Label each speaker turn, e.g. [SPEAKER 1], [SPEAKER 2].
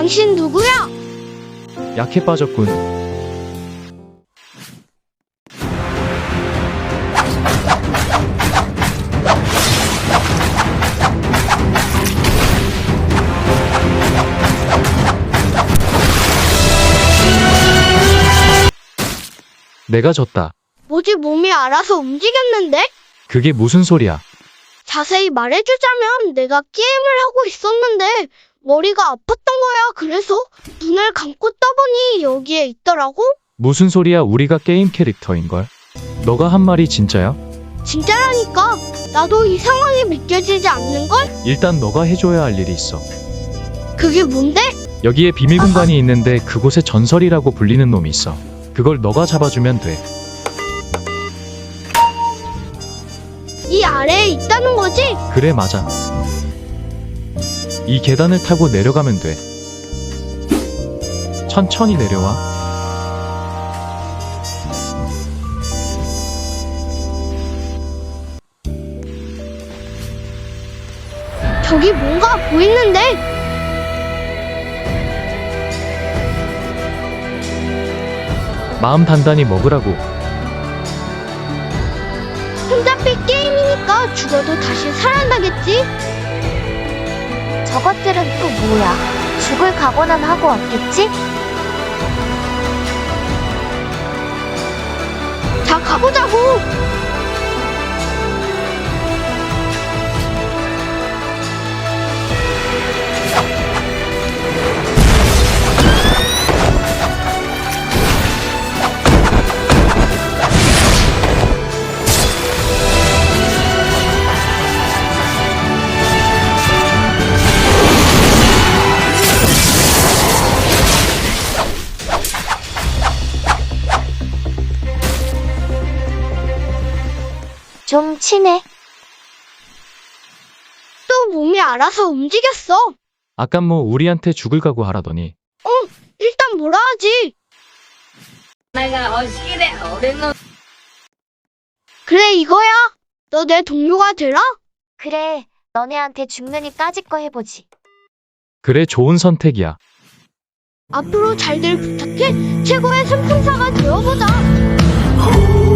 [SPEAKER 1] 당신 누구야?
[SPEAKER 2] 약해 빠졌군. 내가 졌다.
[SPEAKER 1] 뭐지 몸이 알아서 움직였는데?
[SPEAKER 2] 그게 무슨 소리야?
[SPEAKER 1] 자세히 말해주자면 내가 게임을 하고 있었는데 머리가 아팠던 거야. 그래서 눈을 감고 떠보니 여기에 있더라고.
[SPEAKER 2] 무슨 소리야? 우리가 게임 캐릭터인걸? 너가 한 말이 진짜야?
[SPEAKER 1] 진짜라니까. 나도 이상하게 믿겨지지 않는걸?
[SPEAKER 2] 일단 너가 해줘야 할 일이 있어.
[SPEAKER 1] 그게 뭔데?
[SPEAKER 2] 여기에 비밀 공간이 있는데 그곳에 전설이라고 불리는 놈이 있어. 그걸 너가 잡아주면 돼.
[SPEAKER 1] 이 아래에 있다는 거지?
[SPEAKER 2] 그래, 맞아. 이 계단을 타고 내려가면 돼. 천천히 내려와.
[SPEAKER 1] 저기 뭔가 보이는데?
[SPEAKER 2] 마음 단단히 먹으라고.
[SPEAKER 1] 혼잡빛 게임이니까 죽어도 다시 살아나겠지?
[SPEAKER 3] 저것들은 또 뭐야? 죽을 각오는 하고 왔겠지?
[SPEAKER 1] 자, 가보자고!
[SPEAKER 3] 좀 치네.
[SPEAKER 1] 또 몸이 알아서 움직였어.
[SPEAKER 2] 아까 뭐 우리한테 죽을 각오 하라더니.
[SPEAKER 1] 일단 뭐라 하지? 그래, 이거야. 너 내 동료가 되라?
[SPEAKER 3] 그래, 너네한테 죽느니 까짓 거 해보지.
[SPEAKER 2] 그래, 좋은 선택이야.
[SPEAKER 1] 앞으로 잘들 부탁해. 최고의 삼총사가 되어보자.